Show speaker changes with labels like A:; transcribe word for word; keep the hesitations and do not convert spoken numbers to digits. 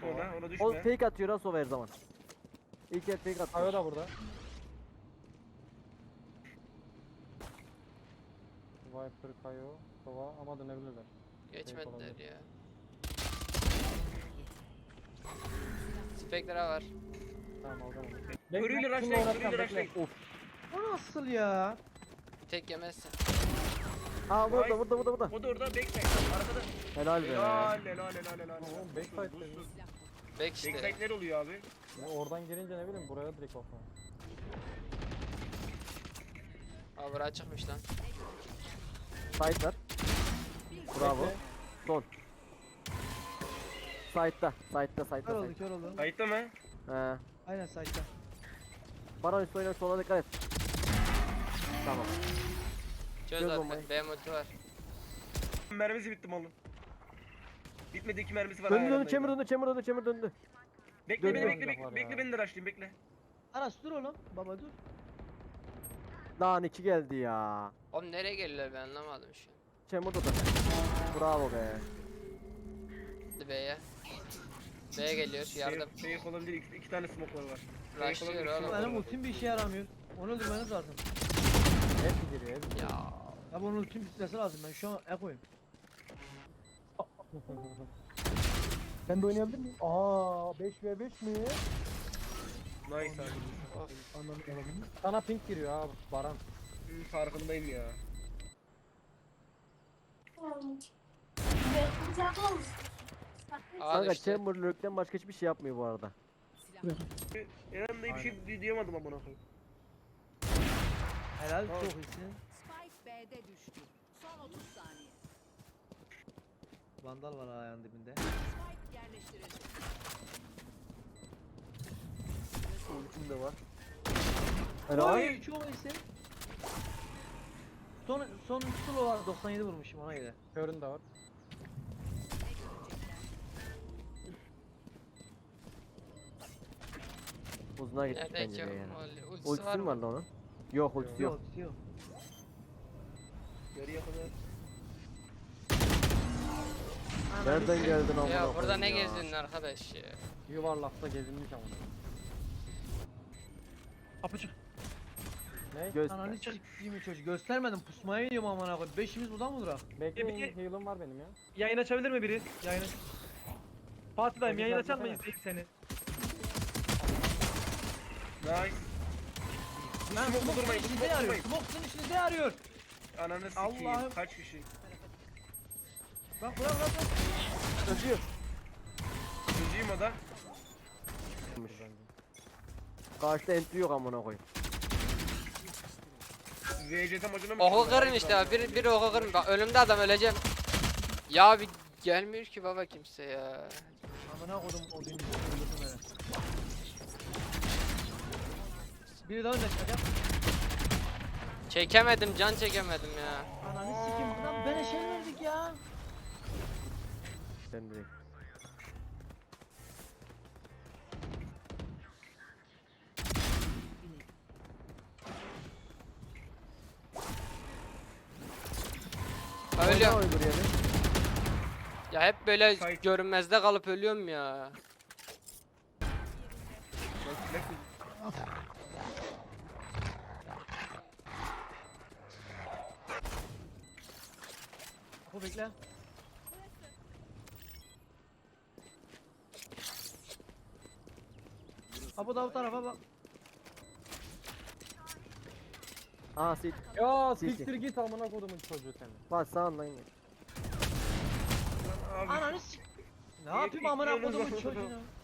A: düşme ona, ona
B: O
A: düşme.
B: fake atıyor ha Sova her zaman. İlk el fake atıyor.
C: Kayo da burada. Viper, Kayo, Sova ama dönebilirler.
D: Geçmediler ya. Spectre var.
C: Tamam alacağım onu.
A: Körüyle
C: Bekle,
A: rushlayın,
C: şununla uğraşacağım,
A: körüyle
C: bekle.
A: rushlayın.
B: Of.
E: O nasıl ya?
D: Tek yemezsin.
B: Aa burada burada burada burada.
A: O da orada backside. Arkada.
B: Helal be.
A: Helal, helal, helal, helal.
C: Oğlum backside dedi.
D: Back işte.
A: Backside ne oluyor abi?
C: Ya oradan girince ne bileyim buraya direkt bakma.
D: Aa bura çıkmış lan.
B: Side var. Bravo.
C: Bekle.
B: Son. Side'da. Side'da
E: Kör
B: side'da
E: oldu
B: side.
E: kör oldu.
A: Kayıtta mı?
B: He.
E: Aynen saçta.
B: Baran üstü oynar sola dikkat et. Tamam.
D: Çöz
B: Çöz
D: abi.
B: bombayı.
D: B multi var.
A: Mermisi bitti malın. Bitmedi, iki mermisi var.
B: Döndü
A: hala
B: döndü chamber
A: yanındaydı.
B: döndü chamber döndü chamber döndü.
A: Bekle beni,
B: Döndü.
A: bekle, bekle,
C: Var
A: bekle
C: ya.
A: beni de rushlayayım, bekle.
E: Aras dur oğlum. Baba dur.
B: Lan iki geldi ya.
D: Oğlum nereye geliyorlar ben anlamadım şu an.
B: Chamber da. Bravo be.
D: Hadi B'ye. B'ye geliyor yardım.
A: Şey, şey olabilir, iki, iki tane smoke'lar var.
D: Rushlıyor
A: Fake olabilir,
D: oğlum.
A: smoke'lar
E: Benim
A: var.
E: ultim bir işe yaramıyor. Onu öldürmeniz lazım.
C: Hepsi giriyor hepsi.
D: Ya.
E: Ya bunun ultim bitmesi lazım. Ben şu an ekoyum.
C: Ben de oynayabilir miyim? Aa beş ve beş mi?
A: Nice abi.
E: Anladım.
C: Sana pink giriyor abi Baran.
A: Hı, farkındayım ya.
D: Aa
B: Kanka
D: düştü.
B: chamber lurk'ten başka hiçbir şey yapmıyor bu arada.
A: Eren dayı bir şey di- diyemedim amına koyayım.
E: Helal
A: Tamam.
E: çok iyisin.
F: Spike B'de düştü. Son otuz saniye.
E: Vandal var ayağın dibinde.
F: Spike yerleştirildi.
B: Ultim de var. Helal.
E: Oy çok iyisin. Son son solo var doksan yedi vurmuşum ona göre.
C: Körün de var.
B: Uzuna gitmiş
D: Nereden
B: bence
D: ki?
B: be yani.
D: Ultisi
B: Ultisi
D: var
B: mi var
D: mı?
B: lan onun? Yok ultisi yok.
E: Yok yok.
A: Yarıya kadar.
B: Nereden geldin amına
D: Ya burada
B: koyayım
D: ne
B: ya?
D: gezdin arkadaş ya?
C: Yuvarlakta gezinmiş ama.
E: Apaçık.
C: Ne?
B: Göz.
E: Ananı sikeyim çocuğu. Göstermedim pusmaya iniyorum amına koyayım. Beşimiz buradan mı durak?
C: Bekleyin heal'ım var benim ya.
G: Yayın açabilir mi biri? Yayın. Fatih dayım yayın açar mı
C: Çocuklar
G: izleyip seni?
A: Nice.
E: Lan
A: Smoke
E: smoke
A: durmayın,
E: işinize
A: smoke
E: yarıyor.
A: durmayın.
E: Smoke sizin işinize yarıyor.
A: Ananı sikeyim.
E: Allah'ım.
A: Kaç kişi?
E: Bak bırak bırak bırak.
B: Öpüyor.
A: Çocuğum o da.
B: Karşıda entry yok amına koyayım.
A: V C T maçına mı?
D: Oku
A: çıkıyorlar?
D: kırın işte abi. Bir, bir oku kırın. Bak önümde adam öleceğim. Ya bir gelmiyor ki baba kimse ya.
E: Amına kodum o gün öldürdüm beni. Biri daha önde çıkacak.
D: Çekemedim can çekemedim ya.
E: Ananı sikeyim lan bana şey verdik ya.
B: Sen direkt.
D: Ölüyorum.
B: Oyna oydur yani.
D: Ya hep böyle
A: Say-
D: görünmezde kalıp ölüyorum ya.
E: Apo bekle. Apo da bu tarafa bak.
B: Aha sit.
C: Ya
B: Sil, sil.
C: siktir git amına kodumun çocuğu seni.
B: Bak sağından gel.
A: Abi
E: Ananı sik. Ne yapayım amına kodumun çocuğunu?